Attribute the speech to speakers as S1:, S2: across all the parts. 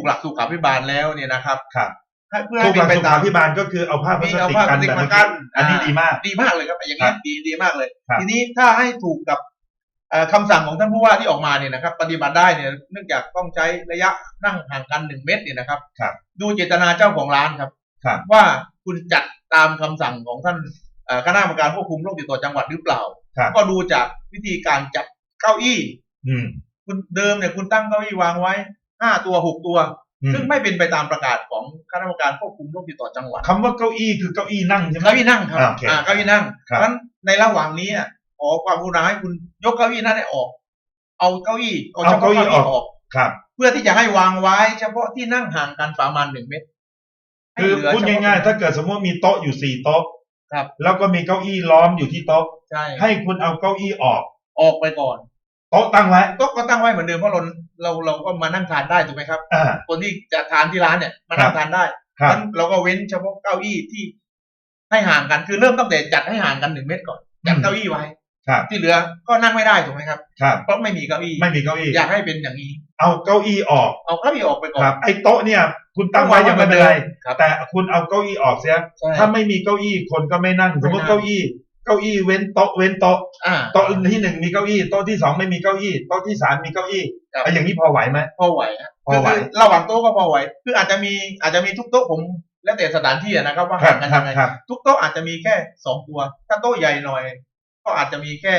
S1: หลักสุขาภิบาลแล้วเนี่ยนะครับ
S2: ครับ
S1: เพื่อให้เป็นไปตาม
S2: สุขาภิบาลก็คือเอาผ้าพลาสติกกันแบบนี้อันนี้ดีมาก
S1: เลยครับอย่างนี้ดีมากเลยทีนี้ถ้าให้ถูกกับคำสั่งของท่านผู้ว่าที่ออกมาเนี่ยนะครับปฏิบัติได้เนี่ยเนื่องจากต้องใช้ระยะนั่งห่างกัน1 เมตรเนี่ยนะครับดูเจตนาเจ้าของร้านครับว่าคุณจัดตามคำสั่งของท่านคณะกรรมการควบคุมโรคติดต่อจังหวัดหรือเปล่าก็ดูจากวิธีการจัดเก้าอี้คุณเดิมเนี่ยคุณตั้งเก้าอี้วางไว้5 ตัว 6 ตัวซึ่งไม่เป็นไปตามประกาศของคณะกรรมการควบคุมโรคติดต่อจังหวัด
S2: คำว่าเก้าอี้คือเก้าอี้นั่งใช่ไหม
S1: เก้าอี้นั่งครับเก้าอี้นั่งเพ
S2: ราะ
S1: ฉะนั้นในระหว่างนี้ขอความกรุณาให้คุณยกเก้าอี้นั้นออกเอาเก้าอี้ออกเพื่อที่จะให้วางไว้เฉพาะที่นั่งห่างกันประมาณ1 เมตร
S2: คือพูดง่ายๆถ้าเกิดสมมติมีโต๊ะอยู่4 โต๊ะแล้วก็มีเก้าอี้ล้อมอยู่ที่โต๊ะให้คุณเอาเก้าอี้ออก
S1: ไปก่อน
S2: โต๊ะตั้งไว้
S1: โต๊ะก็ตั้งไว้เหมือนเดิมเพราะเราก็มานั่งทานได้ถูกไหมครับคนที่จะทานที่ร้านเนี่ยมานั่งทานได้งั้นเราก็เว้นเฉพาะเก้าอี้ที่ให้ห่างกันคือเริ่มตั้งแต่จัดให้ห่างกัน1 เมตรก่อนจัดเก้าอี้ไว้ที่เหลือก็นั่งไม่ได้ถูกไหมครับเพราะไม่มีเก้าอี้อยากให้เป็นอย่างนี้
S2: เอาเก้าอี้ออก
S1: ไปก่อน
S2: ไอ้โต๊ะเนี่ยคุณตั้งไว้ยังไม่เป็นไรแต่คุณเอาเก้าอี้ออกเสียถ้าไม่มีเก้าอี้คนก็ไม่นั่งสมมติเก้าอี้เว้นโต๊ะโต๊ะที่1มีเก้าอี้โต๊ะที่2ไม่มีเก้าอี้โต๊ะที่3มีเก้าอี้อย่างนี้พอไหวไหม
S1: พอไหวคือระหว่างโต๊ะก็พอไหวคืออาจจะมีทุกโต๊ะผมแล้วแต่สถานที่นะครับว่าห่างกันยังไงทุกโต๊ะอาจจะมีแค่2 ตัวถ้าโต๊ะใหญ่หน่อยก็อาจจะมีแค่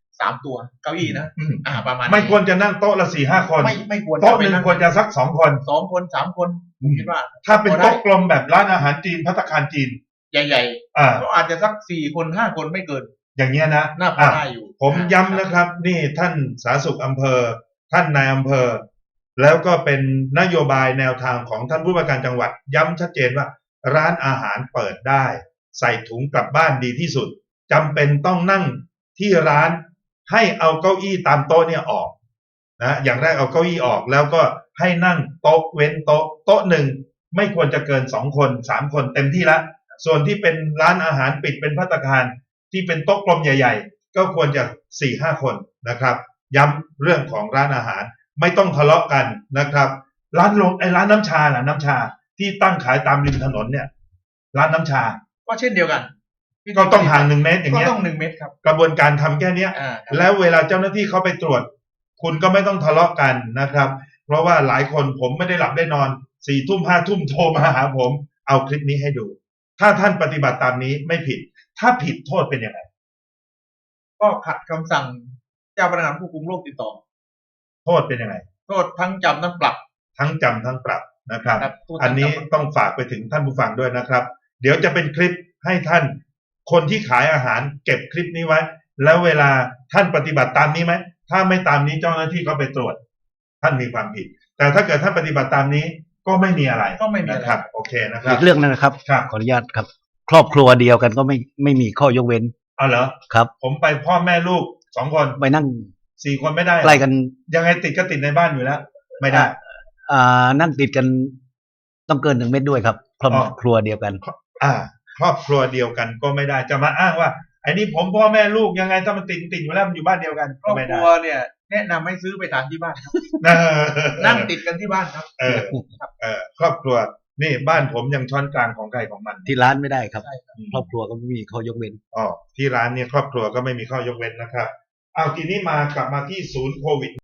S1: 3 ตัวเก้าอี้นะประมาณ
S2: ไม่ควรจะนั่งโต๊ะละ4-5 คน
S1: ไม่ควร
S2: โต๊ะนึงควรจะสัก2 คน
S1: 3 คนผมคิดว่า
S2: ถ้าเป็นโต๊ะกลมแบบร้านอาหารจีนภัตตาคารจีน
S1: ใหญ่ๆก็อาจจะสัก4 คน 5 คนไม่เกิน
S2: อย่างเงี้ยนะ
S1: น่าพอได้อยู่
S2: ผมย้ำนะครับนี่ท่านสาธารณสุขอำเภอท่านนายอำเภอแล้วก็เป็นนโยบายแนวทางของท่านผู้ว่าการจังหวัดย้ำชัดเจนว่าร้านอาหารเปิดได้ใส่ถุงกลับบ้านดีที่สุดจำเป็นต้องนั่งที่ร้านให้เอาเก้าอี้ตามโต๊ะเนี่ยออกนะอย่างแรกเอาเก้าอี้ออกแล้วก็ให้นั่งโต๊ะเว้นโต๊ะหนึ่งไม่ควรจะเกิน2 คน3 คนเต็มที่ละส่วนที่เป็นร้านอาหารปิดเป็นภัตตาคารที่เป็นโต๊ะกลมใหญ่ๆก็ควรจะ 4-5 คนนะครับย้ำเรื่องของร้านอาหารไม่ต้องทะเลาะกันนะครับร้านน้ำชาล่ะน้ำชาที่ตั้งขายตามริมถนนเนี่ยร้านน้ำชา
S1: ก็เช่นเดียวกัน
S2: ก็ต้องห่าง1 เมตรอย่างเงี้ย
S1: ก็ต้อง1 เมตรครับ
S2: กระบวนการทำแค่นี้แล้วเวลาเจ้าหน้าที่เขาไปตรวจคุณก็ไม่ต้องทะเลาะกันนะครับเพราะว่าหลายคนผมไม่ได้หลับได้นอน4 ทุ่ม5 ทุ่มโทรมาหาผมเอาคลิปนี้ให้ดูถ้าท่านปฏิบัติตามนี้ไม่ผิดถ้าผิดโทษเป็นยังไง
S1: ก็ขัดคำสั่งเจ้าพนักงานควบคุมโรคติดต่อ
S2: โทษเป็นยังไง
S1: โทษทั้งจำทั้งปรับ
S2: นะครับอันนี้ต้องฝากไปถึงท่านผู้ฟังด้วยนะครับเดี๋ยวจะเป็นคลิปให้ท่านคนที่ขายอาหารเก็บคลิปนี้ไว้แล้วเวลาท่านปฏิบัติตามนี้ไหมถ้าไม่ตามนี้เจ้าหน้าที่ก็ไปตรวจท่านมีความผิดแต่ถ้าเกิดท่านปฏิบัติตามนี้ก็ไม่มีอะไรนะครับโอเคนะครับ
S3: อีกเรื่องนึงนะครับขออนุญาตครับครอบครัวเดียวกันก็ไม่มีข้อยกเว้น
S2: เหรอ
S3: ครับ
S2: ผมไปพ่อแม่ลูก2 คน
S3: ไปนั่ง
S2: 4 คนไม่ได้
S3: ใกล้กัน
S2: ยังไงติดก็ติดในบ้านอยู่แล้วไม่ได้
S3: นั่งติดกันต้องเกิน1 เมตรด้วยครับครอบครัวเดียวกัน
S2: ครอบครัวเดียวกันก็ไม่ได้จะมาอ้างว่าไอ้นี่ผมพ่อแม่ลูกยังไงถ้ามันติดอยู่แล้วมันอยู่บ้านเดียวกัน
S1: ครอบครัวเนี่ยแนะนำให้ซื้อไปทานที่บ้านครับนั่งติดกันที่บ้านครับ
S2: ครอบครัวนี่บ้านผมยังช้อนกลางของใครของมัน
S3: ที่ร้านไม่ได้ครับครอบครัวก็ไม่มีข้อยกเว้น
S2: ที่ร้านเนี่ยครอบครัวก็ไม่มีข้อยกเว้นนะครับเอาทีนี้กลับมาที่ศูนย์โควิด